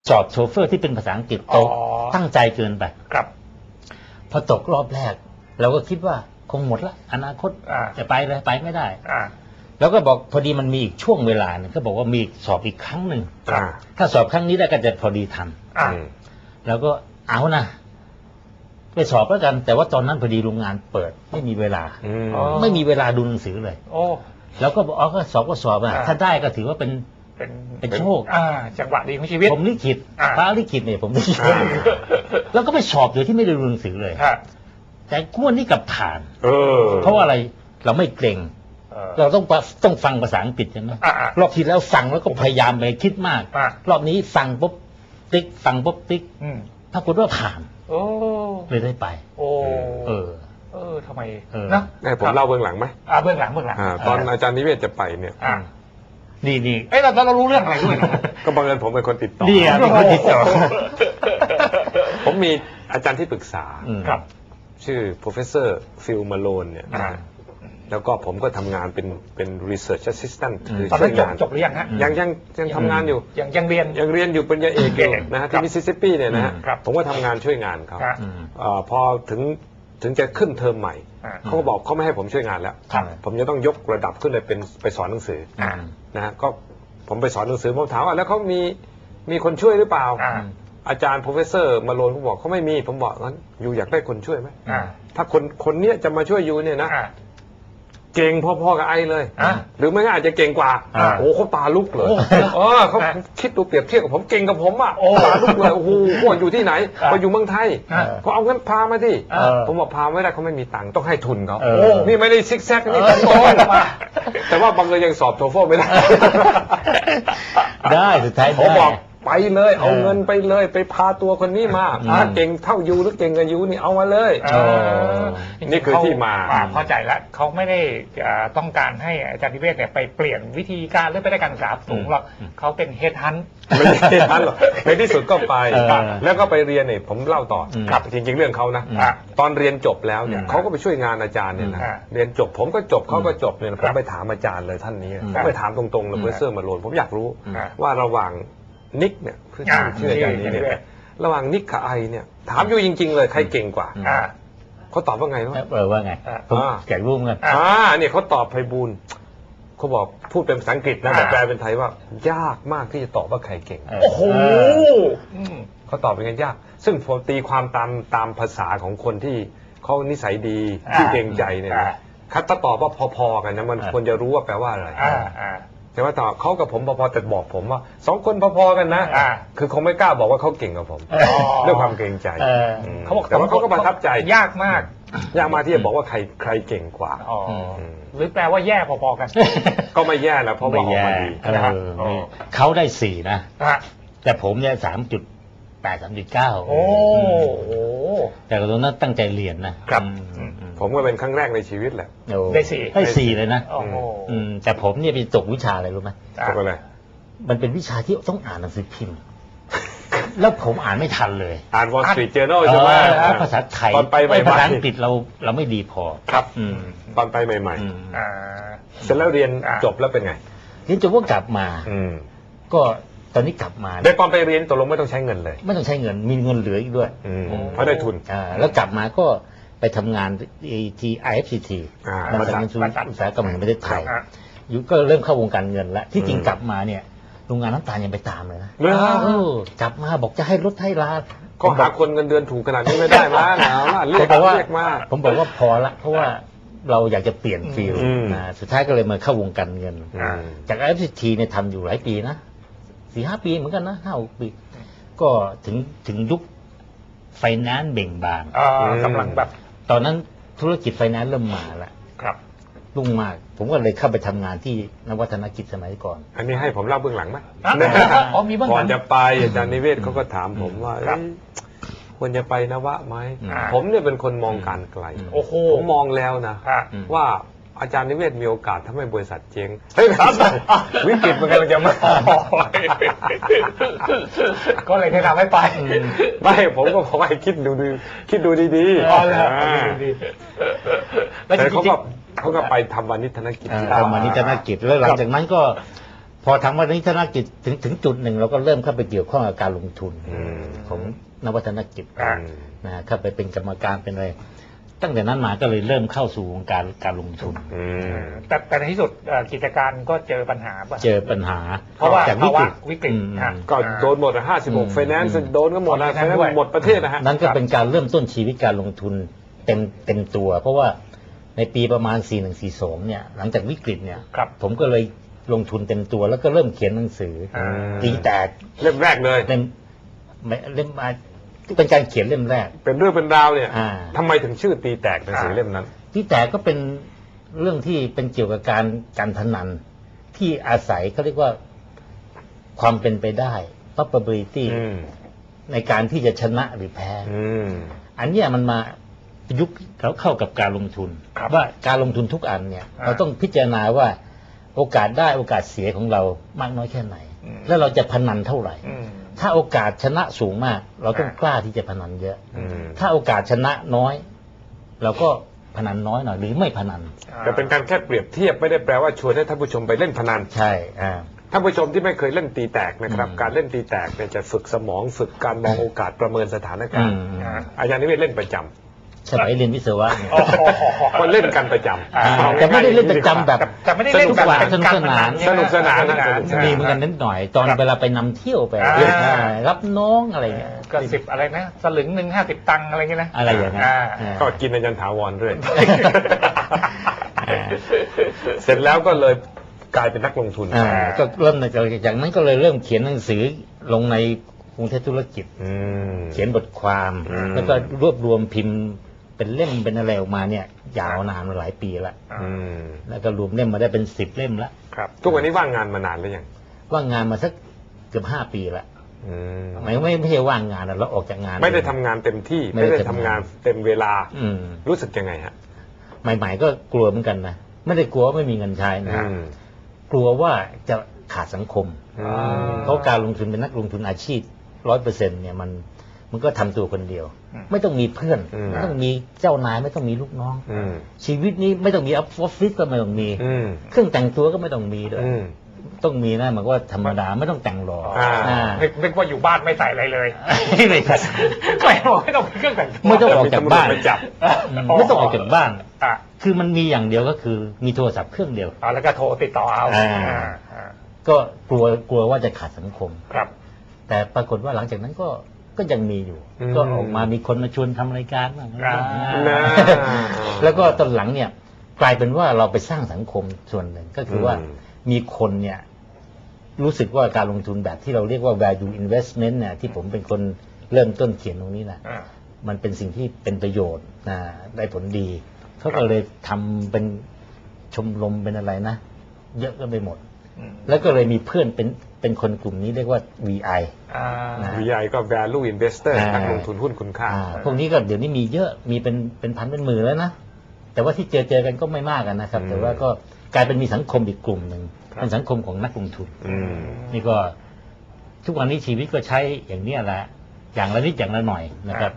สอบโชเฟอร์ที่เป็นภาษาอังกฤษโตตั้งใจเกินไปครับพอตกรอบแรกเราก็คิดว่าคงหมดละอนาคตจะไปเลยไปไม่ได้แล้วก็บอกพอดีมันมีอีกช่วงเวลาหนึ่งก็บอกว่ามีสอบอีกครั้งหนึ่งถ้าสอบครั้งนี้ได้ก็จะพอดีทันแล้วก็เอานะไปสอบแล้วกันแต่ว่าตอนนั้นพอดีโรงงานเปิดไม่มีเวลาไม่มีเวลาดูหนังสือเลยแล้วก็บอกอ๋อก็สอบอ่ะถ้าได้ก็ถือว่าเป็นโชคจังหวะดีของชีวิตผมลิขิตฟ้าลิขิตเนี่ยผมลิขิตแล้วก็ไปสอบโดยที่ไม่ได้ดูหนังสือเลยแต่กู้นี้กับผ่านเพราะว่าอะไรเราไม่เกรงเราต้องฟังภาษาอังกฤษใช่ไหมรอบที่แล้วฟังแล้วก็พยายามไปคิดมากรอบนี้ฟังปุ๊บติ๊กฟังปุ๊บติ๊กปรากฏว่าผ่านเลยได้ไปทำไมนะผมเล่าเบื้องหลังไหมเบื้องหลังตอนอาจารย์นิเวศจะไปเนี่ยนี่เรารู้เรื่องอะไรด้วยก็บังเอิญผมเป็นคนติดต่อเป็นคนติดต่อผมมีอาจารย์ที่ปรึกษาครับชื่อ professor Phil Malone เนี่ยแล้วก็ผมก็ทำงานเป็น research assistant คือช่วยงานจบหรือยังฮะยังทำงานอยู่ยังเรียนอยู่ปริญญาเอกนะฮะที่มิสซิสซิปปีเนี่ยนะฮะผมก็ทำงานช่วยงานเขาพอถึงจะขึ้นเทอมใหม่เขาก็บอกเขาไม่ให้ผมช่วยงานแล้วผมจะต้องยกระดับขึ้นไปสอนหนังสือนะฮะก็ผมไปสอนหนังสือผมถามว่าแล้วเขามีคนช่วยหรือเปล่าอาจารย์ professor มาโลนผมบอกเขาไม่มีผมบอกงั้นอยู่อยากได้คนช่วยไหมถ้าคนเนี้ยจะมาช่วยอยู่เนี่ยนะเก่งพอๆกับไอเลยหรือไม่ก็อาจจะเก่งกว่าโอ้เขาตาลุกเลยเขาคิดดูเปรียบเทียบกับผมเก่งกับผมอ่ะตาลุกเลยโอ้โหพวกอยู่ที่ไหนมาอยู่เมืองไทยเขาเอาเงินพามาที่ผมบอกพาไม่ได้เขาไม่มีตังค์ต้องให้ทุนเขานี่ไม่ได้ซิกแซกนี่ตรงๆมาแต่ว่าบางเลยยังสอบโทเฟลไม่ได้ได้สุดท้ายผมบอกไปเลยเอาเงินไปเลยไปพาตัวคนนี้มาเก่งเท่ายูหรือเก่งกับยูนี่เอามาเลยนี่คือที่มาเข้าใจแล้วเขาไม่ได้ต้องการให้อาจารย์นิเวศเนี่ยไปเปลี่ยนวิธีการหรือไปได้การศึกษาสูงหรอกเขาเป็นเฮดฮันไม่ใช่เฮดฮันหรอกในที่สุดก็ไปแล้วก็ไปเรียนเนี่ยผมเล่าต่อครับจริงๆเรื่องเขานะตอนเรียนจบแล้วเนี่ยเขาก็ไปช่วยงานอาจารย์เนี่ยนะเรียนจบผมก็จบเขาก็จบเนี่ยผมไปถามอาจารย์เลยท่านนี้ผมไปถามตรงๆเลยเพื่อมาโลนผมอยากรู้ว่าระหว่างนิกเนี่ยเพื่อชื่ออาจารย์นี้เนี่ยระหว่างนิกกับไอเนี่ยถามอยู่จริงๆเลยใครเก่งกว่าเขาตอบว่าไงเนาะว่าไงแก่รูปกันเนี่ยเขาตอบไพบูลย์เขาบอกพูดเป็นภาษาอังกฤษนะแต่แปลเป็นไทยว่ายากมากที่จะตอบว่าใครเก่งโอ้โหเขาตอบเป็นไงยากซึ่งผมตีความตามภาษาของคนที่เขานิสัยดีที่เกรงใจเนี่ยถ้าตอบว่าพอๆกันนะมันควรจะรู้ว่าแปลว่าอะไรแต่ว่าตอบเขากับผมพอๆแต่บอกผมว่าสองคนพอๆกันนะคือคงไม่กล้าบอกว่าเขาเก่งกับผมด้วยความเกรงใจเขาบอกแต่ว่าเขาก็ประทับใจยากมากที่จะบอกว่าใครเก่งกว่าหรือแปลว่าแย่พอๆกันก็ไม่แย่แล้วเพราะว่าออกมาดีเขาได้4นะแต่ผมเนี่ย3.8 3.9 โอ้แต่ตอนนั้นตั้งใจเรียนนะครับผมก็เป็นครั้งแรกในชีวิตแหละได้4เลยนะแต่ผมเนี่ยไปตกวิชาอะไรรู้ไหมตกอะไรมันเป็นวิชาที่ต้องอ่านหนังสือพิมพ์แล้วผมอ่านไม่ทันเลยอ่าน Wall Street Journal ใช่ไหมภาษาไทยตอนไปใหม่ภาษาอังกฤษเราไม่ดีพอครับตอนไปใหม่ๆเสร็จแล้วเรียนจบแล้วเป็นไงเรียนจบก็กลับมาก็ตอนนี้กลับมาได้ตอนไปเรียนตกลงไม่ต้องใช้เงินเลยไม่ต้องใช้เงินมีเงินเหลืออีกด้วยเพราะได้ทุนแล้วกลับมาก็ไปทำงานที่ IFCT บริษัทอุตสาหกรรมแห่งประเทศไทยอยู่ก็เริ่มเข้าวงการเงินแล้วที่จริงกลับมาเนี่ยโรงงานน้ำตาลยังไปตามเลยนะกลับมาบอกจะให้ลดให้ลาก็หาคนเงินเดือนถูกขนาดนี้ไม่ได้มาเรียกมาผมบอกว่าพอละเพราะว่าเราอยากจะเปลี่ยนฟิลสุดท้ายก็เลยมาเข้าวงการเงินจาก IFCT เนี่ยทำอยู่หลายปีนะ 4-5 ปีเหมือนกันนะ5-6 ปีก็ถึงยุคไฟแนนซ์เบ่งบานกำลังแบบตอนนั้นธุรกิจไฟแนนซ์เริ่มมาแล้วครับรุ่งมากผมก็เลยเข้าไปทำงานที่นวัฒนกิจสมัยก่อนอันนี้ให้ผมเล่าเบื้องหลังไหมมีเบื้องหลังก่อนจะไปอาจารย์นิเวศเขาก็ถามผมว่าควรจะไปนวะไหมผมเนี่ยเป็นคนมองการไกลผมมองแล้วนะว่าอาจารย์นิเวศมีโอกาสทำให้บริษัทเจ๊งวิกฤตมันกำลังจะมาก็เลยแนะนำให้ไปไม่ผมก็บอกให้คิดดูดีๆแต่เขาก็ไปทำวานิชธนกิจทำวานิชธนกิจแล้วหลังจากนั้นก็พอทางวัฒนธนกิจถึงจุดหนึ่งเราก็เริ่มเข้าไปเกี่ยวข้องกับการลงทุนของนวัฒนกิจนะเข้าไปเป็นกรรมการเป็นอะไรตั้งแต่นั้นมาก็เลยเริ่มเข้าสู่วงการลงทุนแต่ในที่สุดกิจการก็เจอปัญหาป่ะเจอปัญหาเพราะว่าจากวิกฤตก็โดนหมด56 Finance โดนก็หมดนะ Finance หมดประเทศนะฮะนั่นก็เป็นการเริ่มต้นชีวิตการลงทุนเต็มตัวเพราะว่าในปีประมาณ4142เนี่ยหลังจากวิกฤตเนี่ยผมก็เลยลงทุนเต็มตัวแล้วก็เริ่มเขียนหนังสือตีแตกเล่มแรกเลยเล่มเป็นการเขียนเล่มแรกเป็นเรื่องเป็นราวเนี่ยทำไมถึงชื่อตีแตกหนังสือเล่มนั้นตีแตกก็เป็นเรื่องที่เป็นเกี่ยวกับการพนันที่อาศัยเขาเรียกว่าความเป็นไปได้ probability ในการที่จะชนะหรือแพ้อันนี้มันมายุคเขาเข้ากับการลงทุนว่าการลงทุนทุกอันเนี่ยเราต้องพิจารณาว่าโอกาสได้โอกาสเสียของเรามากน้อยแค่ไหนแล้วเราจะพนันเท่าไหร่ถ้าโอกาสชนะสูงมากเราต้องกล้าที่จะพนันเยอะถ้าโอกาสชนะน้อยเราก็พนันน้อยหน่อยหรือไม่พนันแต่เป็นการแค่เปรียบเทียบไม่ได้แปลว่าชวนให้ท่านผู้ชมไปเล่นพนันใช่ท่านผู้ชมที่ไม่เคยเล่นตีแตกนะครับการเล่นตีแตกเนี่ยจะฝึกสมองฝึกการมองโอกาสประเมินสถานการณ์อาจารย์นิเวศเล่นประจำสมัยเรียนวิศวะก็เล่นกันประจำแต่ไม่ได้เล่นประจำแบบแต่ไม่ได้เล่นแบบสนุกสนานมีเหมือนกันนิดหน่อยตอนเวลาไปนำเที่ยวไปรับน้องอะไรเงี้ยก็10อะไรนะสลึง1 50 ตังค์อะไรเงี้ยนะอะไรอย่างเงี้ยก็กินอาจารย์ถาวรด้วยเสร็จแล้วก็เลยกลายเป็นนักลงทุนก็เริ่มจากนั้นก็เลยเริ่มเขียนหนังสือลงในกรุงเทพธุรกิจเขียนบทความแล้วก็รวบรวมพิมพ์เป็นเล่มเป็นอะไรออกมาเนี่ยยาวนานมาหลายปีแล้วแล้วก็รวมเล่มมาได้เป็น10 เล่มแล้วครับทุกวันนี้ว่างงานมานานหรือยังว่างงานมาสักเกือบ5 ปีแล้วไม่ใช่ว่างงานเราออกจากงานไม่ได้ทำงานเต็มที่ไม่ได้ทำงานเต็มเวลารู้สึกยังไงฮะใหม่ๆก็กลัวเหมือนกันนะไม่ได้กลัวว่าไม่มีเงินใช้นะกลัวว่าจะขาดสังคมเพราะการลงทุนเป็นนักลงทุนอาชีพ100%เนี่ยมันก็ทำตัวคนเดียวไม่ต้องมีเพื่อนไม่ต้องมีเจ้านายไม่ต้องมีลูกน้องชีวิตนี้ไม่ต้องมีออฟฟิศก็ไม่ต้องมีเครื่องแต่งตัวก็ไม่ต้องมีด้วยต้องมีนะมันก็ธรรมดาไม่ต้องแต่งหล่อนึกว่าอยู่บ้านไม่ใส่อะไรเลยไม่ใส่ไม่ต้องเครื่องแต่งตัวไม่ต้องออกจากบ้านไม่ต้องออกจากบ้านคือมันมีอย่างเดียวก็คือมีโทรศัพท์เครื่องเดียวแล้วก็โทรติดต่อเอาก็กลัวว่าจะขาดสังคมครับแต่ปรากฏว่าหลังจากนั้นก็ยังมีอยู่ก็ออกมามีคนมาชวนทำรายการบ้างแล้วก็ตอนหลังเนี่ยกลายเป็นว่าเราไปสร้างสังคมส่วนหนึ่งก็คือว่ามีคนเนี่ยรู้สึกว่าการลงทุนแบบที่เราเรียกว่า value investment เนี่ยที่ผมเป็นคนเริ่มต้นเขียนตรงนี้นะมันเป็นสิ่งที่เป็นประโยชน์ได้ผลดีเขาก็เลยทำเป็นชมรมเป็นอะไรนะเยอะก็ไปหมดแล้วก็เลยมีเพื่อนเป็นคนกลุ่มนี้เรียกว่า VI VI ก็ value investor นักลงทุนหุ้นคุณค่าพวกนี้ก็เดี๋ยวนี้มีเยอะมีเป็นพันเป็นหมื่นแล้วนะแต่ว่าที่เจอกันก็ไม่มากกันนะครับแต่ว่าก็กลายเป็นมีสังคมอีกกลุ่มหนึ่งเป็นสังคมของนักลงทุนนี่ก็ทุกวันนี้ชีวิตก็ใช้อย่างนี้แหละอย่างละนิดอย่างละหน่อยนะครับ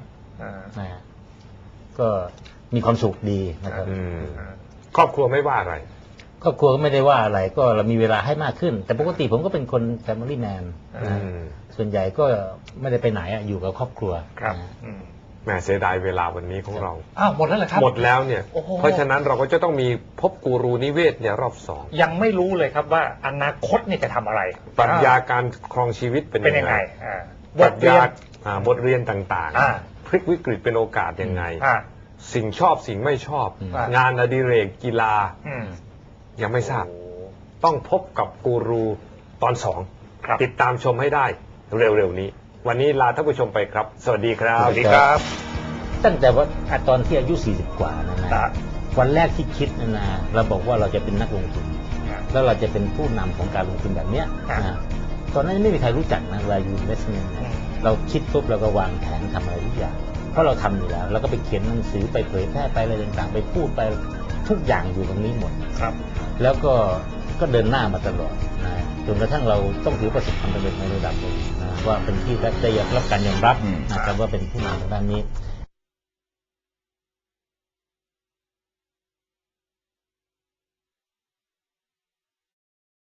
ก็มีความสุขดีนะครับครอบครัวไม่ว่าอะไรครอบครัวก็ไม่ได้ว่าอะไรก็เรามีเวลาให้มากขึ้นแต่ปกติผมก็เป็นคน family man ส่วนใหญ่ก็ไม่ได้ไปไหนอยู่กับครอบครัวครับแหมเสียดายเวลาวันนี้ของเราหมดแล้วเหรอครับหมดแล้วเนี่ยเพราะฉะนั้นเราก็จะต้องมีพบกูรูนิเวศเนี่ยรอบ2 ยังไม่รู้เลยครับว่าอนาคตเนี่ยจะทำอะไรปรัชญาการครองชีวิตเป็นยังไงบทเรียนต่างๆพลิกวิกฤตเป็นโอกาสยังไงสิ่งชอบสิ่งไม่ชอบงานอดิเรกกีฬายังไม่ทราบต้องพบกับกูรูตอน2ติดตามชมให้ได้เร็วๆนี้วันนี้ลาท่านผู้ชมไปครับสวัสดีครับสวัสดีครับตั้งแต่ว่าตอนที่อายุ40 กว่านะวันแรกที่คิดนะเราบอกว่าเราจะเป็นนักลงทุนแล้วเราจะเป็นผู้นำของการลงทุนแบบเนี้ยตอนนั้นไม่มีใครรู้จักนะvalue investment เราคิดปุ๊บเราก็วางแผนทำอะไรทุกอย่างเพราะเราทำอยู่แล้วเราก็ไปเขียนหนังสือไปเผยแพร่ไปอะไรต่างๆไปพูดไปทุกอย่างอยู่ตรงนี้หมดครับแล้วก็เดินหน้ามาตลอดจนกระทั่งเราต้องถือประสบความสำเร็จในระดับหนึ่งว่าเป็นที่ได้รับการยอมรับนะครับว่าเป็นผู้นำทางด้านนี้